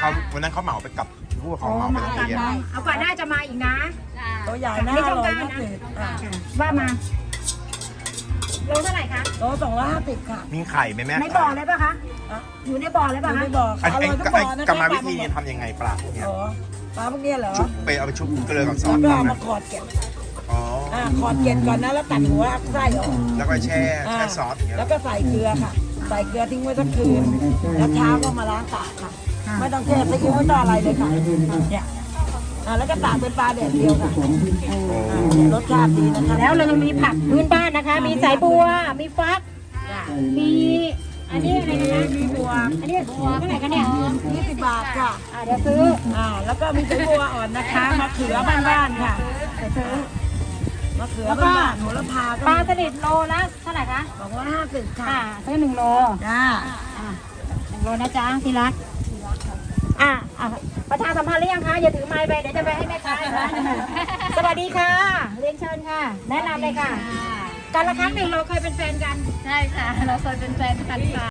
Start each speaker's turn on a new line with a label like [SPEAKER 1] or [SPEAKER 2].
[SPEAKER 1] เขาวันนั้นเขาเหมาไปกับผู้ปกครองเหมาไปโรงเรียน
[SPEAKER 2] เอาก่อนหน้าจะมาอีกนะ
[SPEAKER 3] ตัวใหญ่นะ150ค่ะ
[SPEAKER 2] ว่ามาโลเท่าไหร่คะ
[SPEAKER 3] โล250ค่ะ
[SPEAKER 1] มีไข่ไหมแม่
[SPEAKER 2] ในบ่อเลยป่ะคะอยู่ในบ่อเลย
[SPEAKER 3] อ
[SPEAKER 2] ป่ะ
[SPEAKER 3] ยู่
[SPEAKER 2] คะ
[SPEAKER 3] ในบ่อค่ะอร่อยทุกบ่อนะ
[SPEAKER 1] กรรมวิธีทำยังไงปลาพวกเนี้ย
[SPEAKER 3] อ๋อปลาพวกเนี้ยเหรอ
[SPEAKER 1] ชุบไปเอาไปชุบเกลือกับซอ
[SPEAKER 3] แล้ว
[SPEAKER 1] ส
[SPEAKER 3] ก็เอา
[SPEAKER 1] ทำไหม
[SPEAKER 3] มาขอดเกล็ด
[SPEAKER 1] อ๋อ
[SPEAKER 3] ขอดเกล็ดก่อนนะแล้วตัดหัวไส้ออก
[SPEAKER 1] แล้วก็แช่ซอสอย่างเงี้ย
[SPEAKER 3] แล้วก็ใส่เกลือค่ะ ใส่เกลือทิ้งไว้สักคืน แล้วเช้าก็มาล้างปากค่ะ ไม่ต้องแช่ซีอิ๊วไม่ต้องอะไรเลยค่ะเนี่ยแล้วก็ตากเป็นปลาแดดเดียวค่ะรสชาติดีนะคะ
[SPEAKER 2] แล้วเรายังมีผักพื้นบ้านนะคะ มีสายบัวมีฟักมีอันนี้อะไรนะ
[SPEAKER 3] มีบัว
[SPEAKER 2] อันนี้บัวเท่าไหร่คะเนี่ย
[SPEAKER 3] 20 บาทค่ะ
[SPEAKER 2] เดี๋ยวซื้อ
[SPEAKER 3] แล้วก็มีไส้บัวอ่อนนะคะมะเขือบ้านๆค่ะ
[SPEAKER 2] เดี๋ยวซื้อ
[SPEAKER 3] มะเขือ
[SPEAKER 2] แล้วก็
[SPEAKER 3] บ้านๆโหระพา
[SPEAKER 2] ป
[SPEAKER 3] ก็
[SPEAKER 2] ลาสลิดโลละเท่าไหร่คะ
[SPEAKER 3] 250ค่ะ
[SPEAKER 2] ซื้อ1 โล
[SPEAKER 3] จ้า
[SPEAKER 2] 1 โลนะจ๊ะที่รักประชาสัมพันธ์หรือยังคะอย่าถือไม้ไปเดี๋ยวจะไปให้แม่ค้าอีกนะสวัสดีค่ะเรียนเชิญค่ะ แนะนำเลยค่ะการละครั้งหนึ่งเราเคยเป็นแฟนกัน
[SPEAKER 4] ใช่ค่ะ เราเคยเป็นแฟนกันค่ะ